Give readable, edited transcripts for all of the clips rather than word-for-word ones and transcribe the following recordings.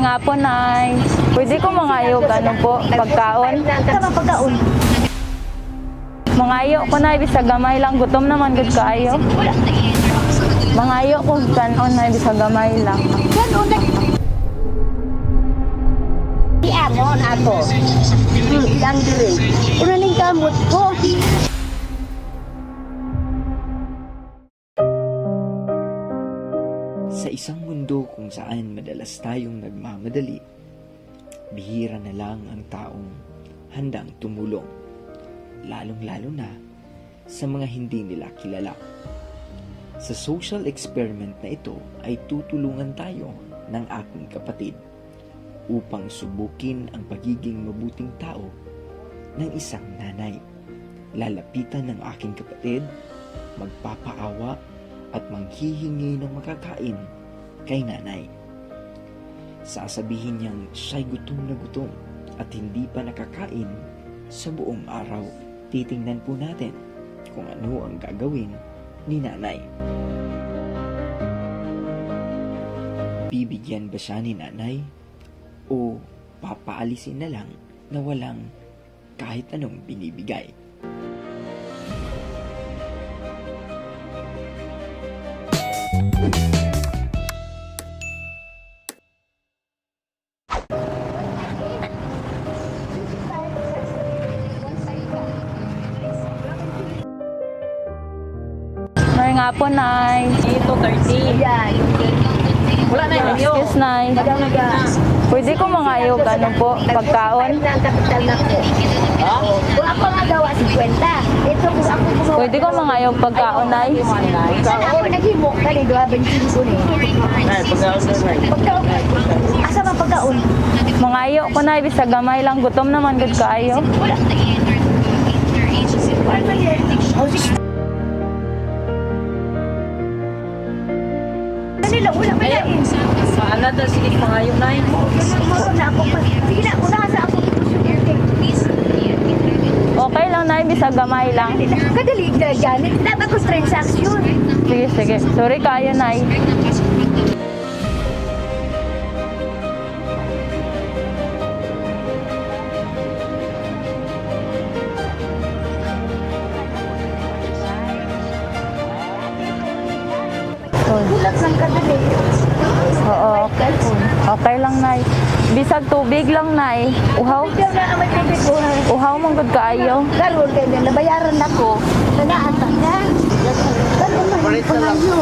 May nga po, Nay. Pwede ko mangayog, ano po, pagkaon? Sama pagkaon. Mangayo ko, Nay, bisag gamay lang. Gutom naman, good kaayo. Mangayo ko, kanon, Nay, bisag gamay lang. Kanon na. Iamon ako. Ilang dire. Una ning kamot ko. Sa isang mundo kung saan madalas tayong nagmamadali, bihira na lang ang taong handang tumulong, lalong-lalo na sa mga hindi nila kilala. Sa social experiment na ito ay tutulungan tayo ng aking kapatid upang subukin ang pagiging mabuting tao ng isang nanay. Lalapitan ng aking kapatid, magpapaawa at manghihingi ng makakain kay nanay. Sasabihin niyang siya'y gutom na gutom at hindi pa nakakain sa buong araw. Titingnan po natin kung ano ang gagawin ni nanay. Bibigyan ba siya ni nanay o papaalisin na lang na walang kahit anong binibigay? May nga po, Nay. 2:30. Yan. Wala na yun. Excuse, Nay. Naga. Pwede ko mangayog, ano po, pagkaon? Ang kapital na ko. Kung ako nga gawa 50. Ito kung ako gumawa. Pwede ko mangayog pagkaon, Nay. Sana ako naghimok ka ni 25 ni. Pagkaon. Asa man pagkaon? Mangayo ko, Nay, bisag gamay lang. Gutom naman, good kaayo. Wala. Wala man yan. Kanila, wala man yan. Paala na, sige, mangayo, Nay. Maro na ako. Sige na, unahan sa ako. Okay lang, Nay, bisag gamay lang. Kadali na dyan. Dapat ko transaction. Sige, sige. Sorry kayo, Nay. Bulat ng kadali. Oo, okay. Okay lang, Nay. Bisag tubig lang, Nay. Uhaw. Ikaw na ang may tubig ko. Uhaw mong good kaayo. Karoon kayo na nabayaran ako. Nanaata na. Karoon na yung pangayo.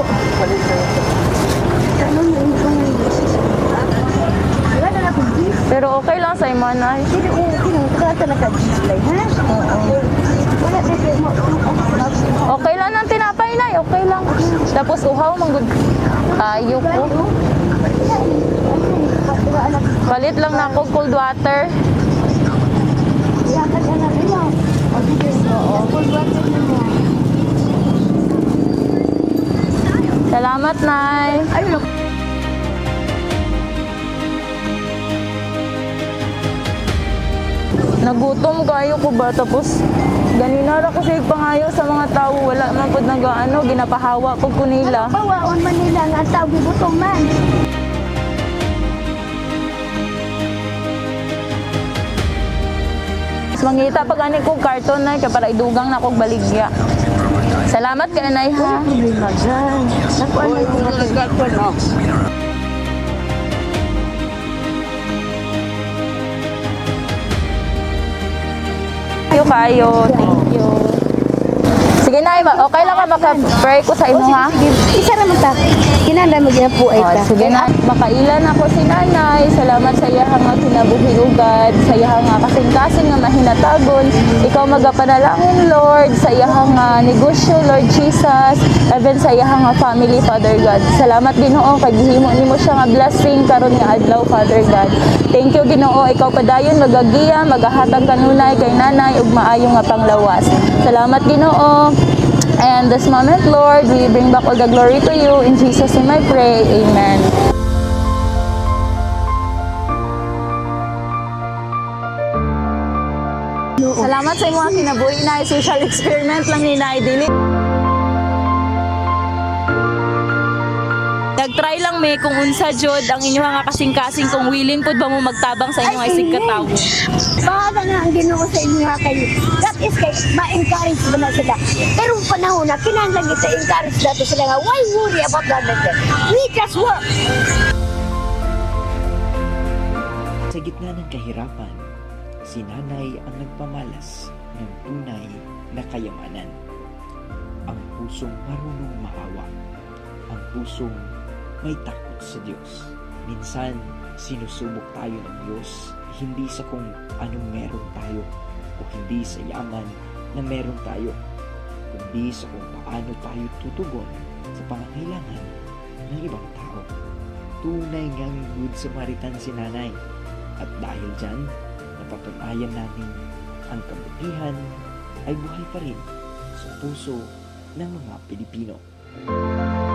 Karoon na yung pangayo. Wala na akong gis. Pero okay lang sa imo, Nay. Hindi ko kinukata na ka-display, ha? Wala na kayo mo. Okay lang ng tinapay, Nay. Okay lang. Tapos uhaw mong good kaayo ko. Palit lang na ako cold water. Iyakan ka na rin mo. O sige, full water na mo. Salamat, Nay. Ayun, Nagutom kayo ko ba? Tapos ganina ra ko siya pangayo sa mga tao. Wala man po nag-ano, ginapahawa ko nila. bawaon man nila nga tao gibutong man. Mas mangita pag ani ko karton na kaya para idugang na kog baligya. Salamat kay Nay, ha. Problema dyan. Nakuha na yung mga no? Kayo. Thank you. Sige, Nay. Okay lang ka maka-pray ko sa imo, ha? Isa na magta. Kinanda mo dyan po ay Oh, ta. sige na, makailan ako si Nanay. Salamat sa iyang nga kinabuhi ugad, sa iyang nga kasing-kasing nga mahinatagon. Ikaw magapanalangin, Lord, sa iyang nga negosyo, Lord Jesus, even sa iyang nga family, Father God. Salamat, Ginoo, kay gihimo nimo siya nga blessing karon nga adlaw, Father God. Thank you, Ginoo, ikaw padayon magagiya, magahatag kanunay kay Nanay ug maayo nga panglawas. Salamat, Ginoo. And this moment, Lord, we bring back all the glory to you. In Jesus' name I pray. Amen. Salamat sa mga kinabuhi na social experiment lang ni Nay Dili. try lang me kung unsa jud ang inyo nga kasing-kasing kung willing pud ba mo magtabang sa inyong isig katawo. Bahala na ang Ginoo sa inyo nga kayo. That is kay ma-encourage mo na sila. Pero ang panahon na kinahanglan kita encourage nato sila nga why worry about that? We just work. Sa gitna ng kahirapan, si nanay ang nagpamalas ng tunay na kayamanan. Ang pusong marunong maawa. Ang pusong may takot sa Diyos. Minsan, sinusubok tayo ng Diyos hindi sa kung anong meron tayo o hindi sa yaman na meron tayo, kundi sa kung paano tayo tutugon sa pangangailangan ng ibang tao. Tunay ngang good Samaritan si nanay. At dahil dyan, napatunayan natin ang kabutihan ay buhay pa rin sa puso ng mga Pilipino.